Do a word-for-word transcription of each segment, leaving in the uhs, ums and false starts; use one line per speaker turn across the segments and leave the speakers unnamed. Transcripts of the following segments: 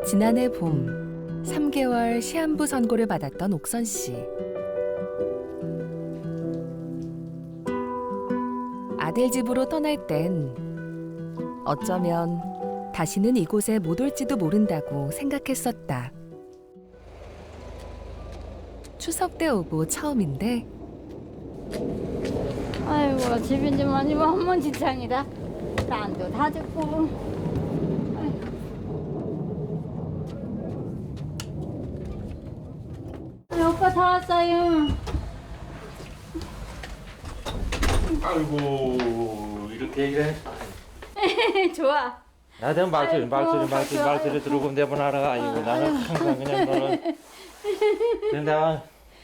지난해 봄 삼 개월 시한부 선고를 받았던 옥선 씨. 아들 집으로 떠날 땐 어쩌면 다시는 이곳에 못 올지도 모른다고 생각했었다. 추석 때 오고 처음인데
아이고 집인 좀 아니면 헛먼지창이다. 땅도 다 죽고. 아이고. 오빠 다 왔어요.
아이고 이렇게 이래.
좋아.
나한테 말소리
아이고,
말소리 말소리
좋아.
말소리 들어오고 내보나라 아이고 나는 항상 그냥 너는 그냥 내가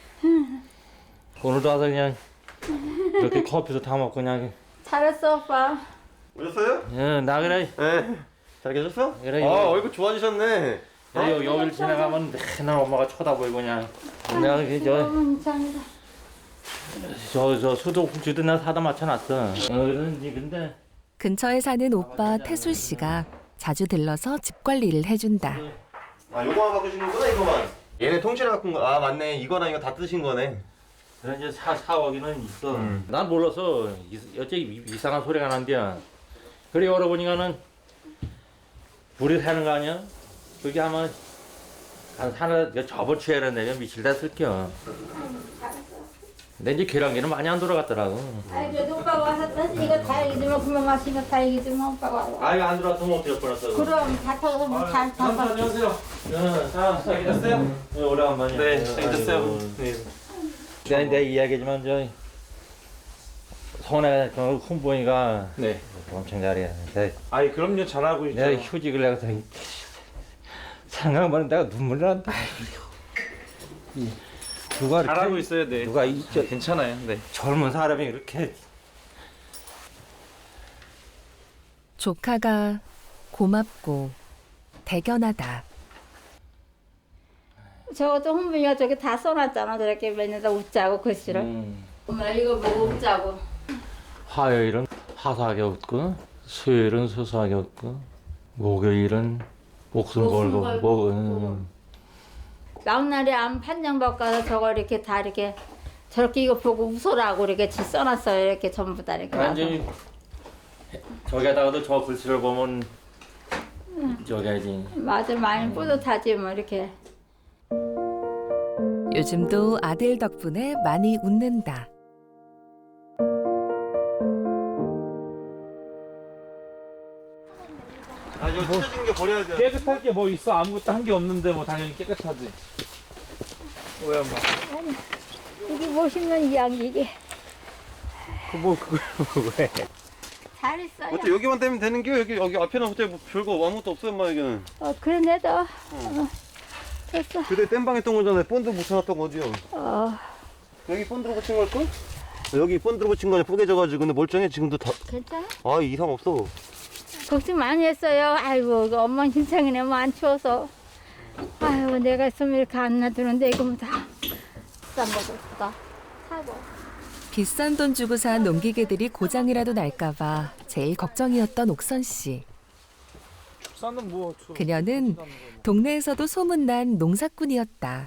오늘도 와서 그냥 이렇게 커피도 다 먹고 그냥
잘했어 오빠.
오셨어요?
응, 나 그래
네. 잘 계셨어?
그래,
아,
이거.
얼굴 좋아지셨네.
여기 여기를 지나가면 맨날 엄마가 쳐다보고 그냥 내가 저저저
헛먼지창이다.
저, 저 수도꼭지도 내가 사다 맞춰놨어. 어 그런지 근데
근처에 사는 오빠 태술 씨가 자주 들러서 집 관리를 해준다.
아, 요거만 바꾸시는구나, 이거만. 얘네 통째로 바꾼 거. 아, 맞네. 이거랑 이거 다 뜨신 거네.
그래 이제 사 사오기는 있어.
음.
난 몰라서 이- 어째 이상한 소리가 난대야. 그래 열어보니까는 불이 새는 거 아니야? 그게 아마 한 하나 접어치야 되네. 미칠다 쓸겨. 근데 이제 계란기는 많이 안 돌아갔더라고.
아이 그래도 오빠가 와서 이거 다행이지만 그만 마신 거 다행이지만 오빠가 와서.
아 이거 안 들어왔으면 어떻게 뻔했어.
그럼 다 타서 잘 타서.
안녕하세요. 응, 자, 잘 계셨어요? 네, 오래간만이야.
네, 잘 계셨어요. 네.
내가 내 이야기지만 저 손에 그 훈보이가
네.
엄청 잘해. 내,
아이, 그럼요. 잘하고 있죠.
내가 휴직을 내가 생각만 내가 눈물 난다. 이, 누가 이렇게
잘하고 있어요, 네.
누가 이 저,
괜찮아요, 네.
젊은 사람이 이렇게
조카가 고맙고 대견하다.
저것도 홍빈이가 저기 다 써놨잖아. 저렇게 맨날 웃자고 글씨를.
음,
엄마 이거 보고 웃자고.
화요일은 화사하게 웃고 수요일은 소소하게 웃고 목요일은 목숨
목숨
걸고
걸고
뭐,
웃고.
음.
막날에 암 판정 바꿔서 저거 이렇게 다 이렇게 저렇게 이거 보고 웃어라고 이렇게 지 써놨어요. 이렇게 전부 다 이렇게.
완전히 저기다가도 저 글씨를 보면 저기야지.
맞아 많이 뿌듯하지 뭐 이렇게.
요즘도 아들 덕분에 많이 웃는다.
아, 이거 찢어진 게 버려야 돼.
깨끗할 게 뭐 있어? 아무것도 한 게 없는데 뭐 당연히 깨끗하지. 왜 엄마?
여기 보시면 이 양이 이게
그뭐 그걸 왜?
잘 있어요.
어째 여기만 되면 되는 게 여기 여기 앞에는 어째 뭐 별거 아무것도 없어요, 엄마 여기는.
어 그런데도 어, 됐어.
그때 땜방 했던 거잖아요. 본드 붙여놨던 거지요.
어
여기 본드로 붙인 걸걸? 여기 본드로 붙인 거는 뿌개져가지고 근데 멀쩡해 지금도 다.
괜찮아?
아, 이상 없어.
걱정 많이 했어요. 아이고 그 엄마 힘창이네 뭐 안 추워서. 아이고 내가 있으면 이렇게 안 놔두는데 이거 뭐 다 비싼 거다 사고.
비싼 돈 주고 산 농기계들이 고장이라도 날까봐 제일 걱정이었던 옥선 씨.
축사는 뭐? 저-
그녀는 동네에서도 소문난 농사꾼이었다.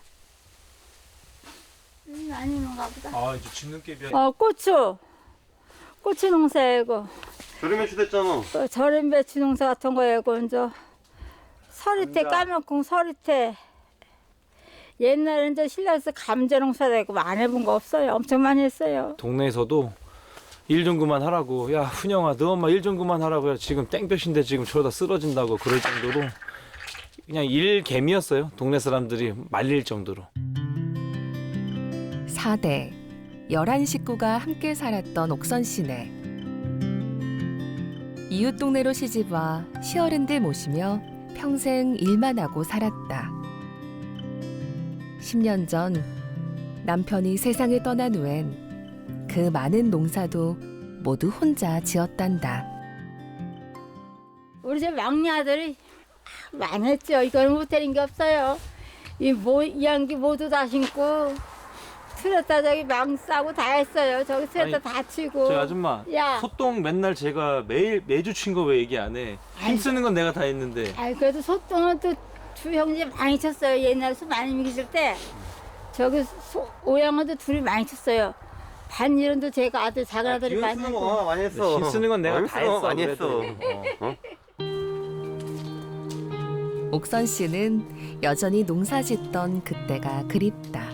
음, 아니는가 보다.
아 이제 짓는 게 비야.
어 고추 고추 농사이고
저렴해 주됐잖아.
또 절임 배추 농사 같은 거이고 이제 서리태 까만콩 서리태. 옛날에 이제 신라에서 감자 농사도 있고 안 해본 거 없어요. 엄청 많이 했어요.
동네에서도 일 좀 그만하라고. 야 훈영아 너 엄마 일 좀 그만하라고. 야 지금 땡볕인데 지금 저러다 쓰러진다고 그럴 정도로 그냥 일 개미였어요. 동네 사람들이 말릴 정도로.
사 대, 열한 식구가 함께 살았던 옥선 씨네. 이웃 동네로 시집와 시어른들 모시며 평생 일만 하고 살았다. 십 년 전 남편이 세상을 떠난 후엔 그 많은 농사도 모두 혼자 지었단다.
우리 집 막내 아들이 많이 했죠. 이걸 못하는 게 없어요. 이 모, 이 양기 모두 다 심고 트레타 저기 망 싸고 다 했어요. 저기 트레타
아니,
다 치고.
저 아줌마
야.
소똥 맨날 제가 매일 매주 친 거 왜 얘기 안 해? 힘쓰는 건 내가 다 했는데.
아이 그래도 소똥은 또 두 형제 많이 쳤어요. 옛날에 소 많이 먹이실 때 저기 소, 오양어도 둘이 많이 쳤어요. 반일은도 제가 아들 작은 아들이 많이
쓰는
하고.
거 많이 했어.
힘 쓰는 건 내가
많이
다
쓰는 거
했어,
많이
그래도.
했어.
옥선 씨는 여전히 농사 짓던 그때가 그립다.